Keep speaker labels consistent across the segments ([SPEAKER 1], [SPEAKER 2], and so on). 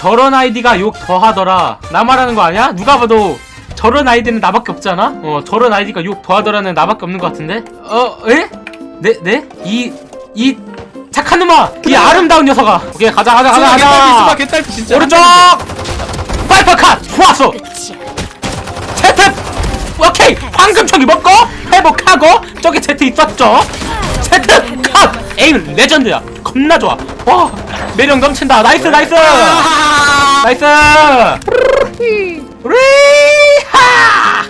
[SPEAKER 1] 저런 아이디가 욕 더하더라. 나 말하는 거 아니야? 누가 봐도 저런 아이디는 나밖에 없잖아? 저런 아이디가 욕 더하더라는 나밖에 없는 것 같은데? 에? 네? 이 착한 놈아! 이 아름다운 녀석아! 오케이, 가자!
[SPEAKER 2] 개딸피 진짜.
[SPEAKER 1] 오른쪽! 파이퍼 컷! 좋았어! 제트! 오케이! 황금총이 먹고 회복하고 저기 제트 있었죠? 제트 컷! 에임 레전드야! 겁나 좋아! 와! 매력 넘친다! 나이스! 나이스! 우리하!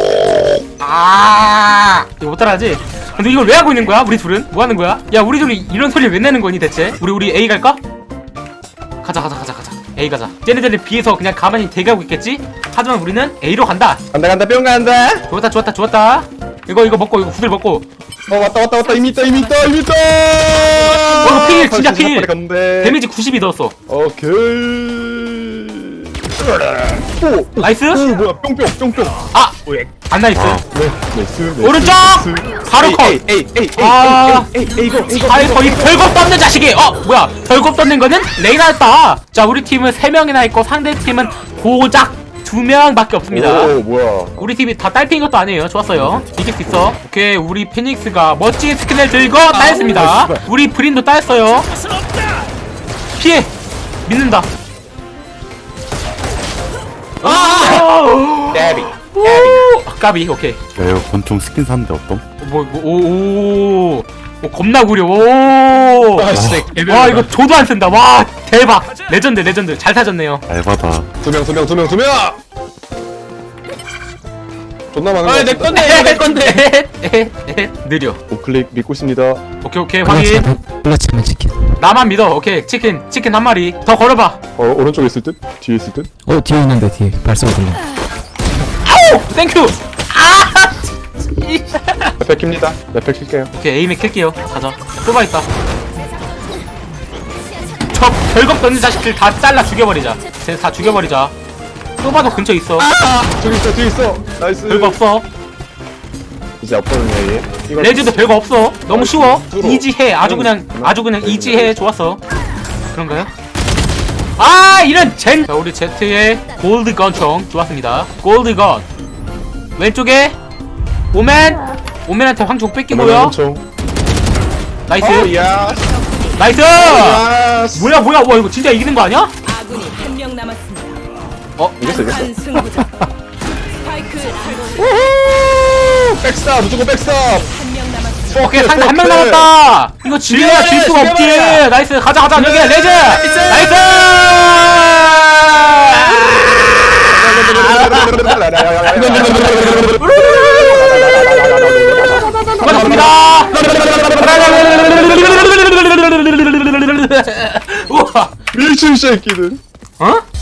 [SPEAKER 1] 이거 못 따라하지? 근데 이걸 왜 하고 있는 거야? 우리 둘은? 뭐 하는 거야? 야, 우리 둘이 이런 소리 왜 내는 거니 대체? 우리 A 갈까? 가자. A 가자. 쟤네들에 비해서 그냥 가만히 대기하고 있겠지? 하지만 우리는 A로 간다.
[SPEAKER 2] 간다 뿅 간다.
[SPEAKER 1] 좋았다. 이거 먹고 이거 구슬 먹고.
[SPEAKER 2] 왔다 이미 있다.
[SPEAKER 1] 이거 필 진짜 필.
[SPEAKER 2] 간대.
[SPEAKER 1] 데미지 92 넣었어.
[SPEAKER 2] 오케이.
[SPEAKER 1] 나이스?
[SPEAKER 2] 뭐야 뿅.
[SPEAKER 1] 아! 안 나이스.
[SPEAKER 2] 나이스.
[SPEAKER 1] 오른쪽! 바로 컷!
[SPEAKER 2] 이거.
[SPEAKER 1] 아이 거의 별겁 떴는 자식이! 뭐야 별겁 떴는 거는 레이나였다. 자, 우리 팀은 3명이나 있고 상대 팀은 고작 2명밖에 없습니다.
[SPEAKER 2] 오 뭐야.
[SPEAKER 1] 우리 팀이 다 딸피인 것도 아니에요. 좋았어요. 이길 수 있어. 오케이, 우리 피닉스가 멋진 스킨을 들고 따였습니다. 우리 브린도 따였어요. 피해! 믿는다. 까비. 오케이.
[SPEAKER 3] 야 이거 권총 스킨 샀는데 어떤?
[SPEAKER 1] 겁나 구려.
[SPEAKER 2] 진짜
[SPEAKER 1] 와, 이거 조도 안 쓴다. 와, 대박. 레전드. 잘 사줬네요.
[SPEAKER 3] 알바다.
[SPEAKER 2] 두 명. 존나 많은 거.
[SPEAKER 1] 내 건데. 느려.
[SPEAKER 2] 우클릭 믿고 있습니다.
[SPEAKER 1] 오케이, 확인.
[SPEAKER 4] 플라치면 치킨.
[SPEAKER 1] 나만 믿어. 오케이, 치킨 한 마리 더 걸어봐.
[SPEAKER 2] 오른쪽에 있을 듯? 뒤에 있을 듯?
[SPEAKER 4] 뒤에 있는데 뒤에 발소리 들려.
[SPEAKER 1] 아우, 땡큐.
[SPEAKER 2] 레펠 킵니다. 레펠 킬게요.
[SPEAKER 1] 오케이, 에임에 킬게요. 가자. 쏘바 있다. 저 별겁 던진 자식들 다 잘라 죽여버리자. 쟤 다 죽여버리자. 쏘바도 근처 있어.
[SPEAKER 2] 뒤에 있어. 나이스.
[SPEAKER 1] 별거 없어.
[SPEAKER 2] 이제 없거든요 얘. 이걸
[SPEAKER 1] 레즈도 별거 없어. 너무 쉬워.
[SPEAKER 2] 뚫어.
[SPEAKER 1] 이지해. 아주 그냥 이지해. 좋았어. 그런가요? 이런 젠. 자, 우리 제트의 골드 건총 좋았습니다. 골드 건. 왼쪽에 오맨한테 황총 뺏기고요.
[SPEAKER 2] 엄청.
[SPEAKER 1] 나이스.
[SPEAKER 2] 야.
[SPEAKER 1] 나이스.
[SPEAKER 2] 야.
[SPEAKER 1] 뭐야 와, 이거 진짜 이기는 거 아니야?
[SPEAKER 5] 아군이 한 명 남았습니다.
[SPEAKER 2] 이겼어.
[SPEAKER 5] 한 승부자. 스파이크 설치.
[SPEAKER 2] 백스탑 무조건 백스탑.
[SPEAKER 5] 한 명 남았습니다.
[SPEAKER 1] 오케이, 상대 한 명 남았다. 이거 질려야 질 수가 없지. 나이스. 가자. 여기 레즈. 나이스. 수고하셨습니다. 우와.
[SPEAKER 2] 미친 새끼들.
[SPEAKER 1] 어?